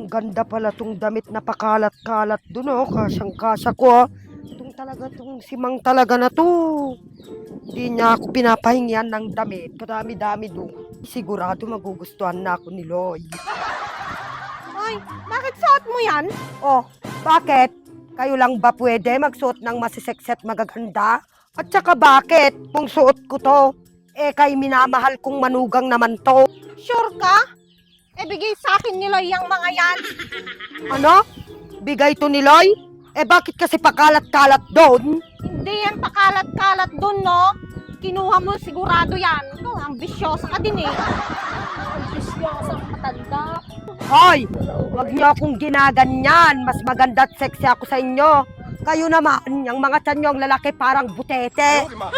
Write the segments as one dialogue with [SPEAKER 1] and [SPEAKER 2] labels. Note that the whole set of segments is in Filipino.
[SPEAKER 1] Ang ganda pala tong damit na pakalat-kalat dun, oh. Kasyang-kasya ko, ah. Tong simang talaga na to. Hindi niya ako pinapahingyan ng damit. Kadami-dami doon. Sigurado magugustuhan na ako ni Loy.
[SPEAKER 2] Ay, bakit suot mo yan?
[SPEAKER 1] Oh, bakit? Kayo lang ba pwede magsuot ng masiseksi at magaganda? At saka bakit? Kung suot ko to, kay minamahal kong manugang naman to.
[SPEAKER 2] Sure ka? Bigay sa akin ni Loy yung mga yan.
[SPEAKER 1] Ano? Bigay to ni Loy? Bakit kasi pakalat-kalat doon?
[SPEAKER 2] Hindi yan pakalat-kalat dun, no? Kinuha mo sigurado yan. Ikaw, ambisyosa ka din eh. Ambisyosa ka matanda.
[SPEAKER 1] Hoy! Huwag niyo akong ginaganyan. Mas maganda at sexy ako sa inyo. Kayo naman, yung mga tiyan nyo, ang lalaki parang butete.
[SPEAKER 3] Next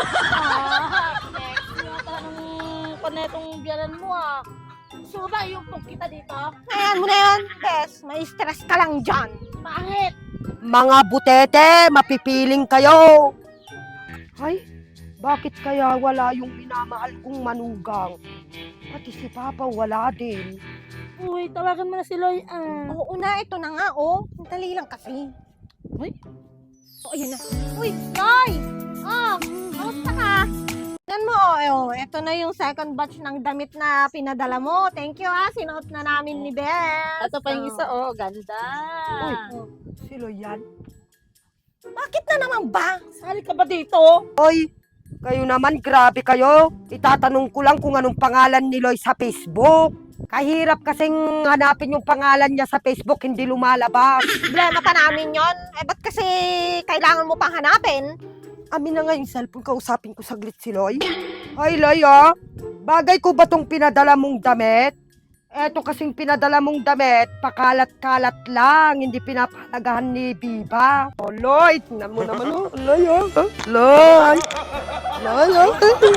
[SPEAKER 3] yata ng panetong biyanan mo ah. Gusto mo ba yung kita dito?
[SPEAKER 2] Ayan mo na yan, Bes. May stress ka lang dyan.
[SPEAKER 3] Bakit?
[SPEAKER 1] Mga butete, mapipiling kayo. Ay, bakit kaya wala yung minamahal kong manugang? Pati si Papa wala din.
[SPEAKER 3] Uy, tawagan mo na si Loy ah.
[SPEAKER 2] Oo na, ito na nga, oh. Dali lang kasi.
[SPEAKER 3] Uy,
[SPEAKER 2] Oh, ayan na. Uy, Loy! Oh, kamusta ka? Yan mo, oh, ito na yung second batch ng damit na pinadala mo. Thank you, ah. Sinuot na namin ni Bes.
[SPEAKER 3] ito pa yung isa oh, ganda.
[SPEAKER 1] Uy, si Loy yan.
[SPEAKER 2] Bakit na naman ba?
[SPEAKER 3] Sali ka ba dito?
[SPEAKER 1] Hoy, kayo naman, grabe kayo. Itatanong ko lang kung anong pangalan ni Loy sa Facebook. Kahirap kasing hanapin yung pangalan niya sa Facebook, hindi lumalabas.
[SPEAKER 2] Problema pa namin yon. Ba't kasi kailangan mo pang hanapin?
[SPEAKER 1] Amin na nga yung cellphone, kausapin ko saglit si Loy. Ay, Loy, ah. Bagay ko ba tong pinadala mong damit? Eto kasing pinadala mong damit, pakalat-kalat lang, hindi pinapalagahan ni Biba. Oh, Loy, tingnan mo naman, oh. Loy, oh. Loy. Loy, oh.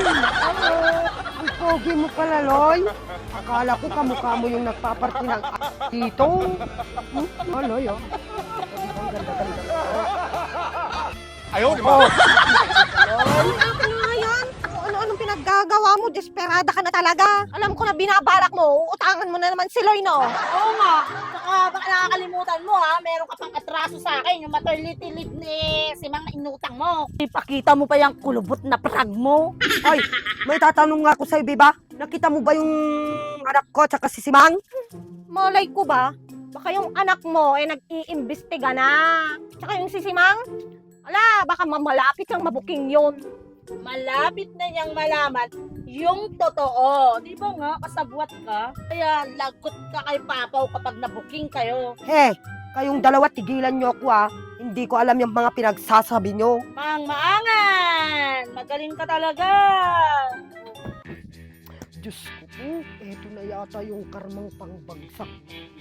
[SPEAKER 1] Ang pogi mo pala, Loy. Akala ko kamukha mo yung nagpaparty ng dito. Oh, Loy, oh. Ang ganda-ganda.
[SPEAKER 4] Ayaw, di
[SPEAKER 1] Oh.
[SPEAKER 2] Ano nga yan? Ano-anong pinaggagawa mo? Desperada ka na talaga. Alam ko na binabalak mo. Utangan mo na naman si Loy, no?
[SPEAKER 3] Oo nga. Saka baka nakakalimutan mo ha, meron ka pang atraso sa akin, yung maternity leave ni si Mang na inutang mo. Ipakita mo pa yung kulubot na prag mo.
[SPEAKER 1] Ay, may tatanong nga ako sa'yo, Biba. Nakita mo ba yung anak ko at si Simang?
[SPEAKER 2] Malay ko ba? Baka yung anak mo nag-iimbestiga na. Tsaka yung sisimang, ala, baka malapit kang mabuking yun.
[SPEAKER 3] Malapit na niyang malaman yung totoo. Di ba nga, kasabwat ka? Kaya lagot ka kay Papaw kapag nabuking kayo.
[SPEAKER 1] Kayong dalawa, tigilan nyo ako, ah. Hindi ko alam yung mga pinagsasabi nyo.
[SPEAKER 3] Mang maangan! Magaling ka talaga!
[SPEAKER 1] Diyos ko po, eto na yata yung karmang pangbagsak.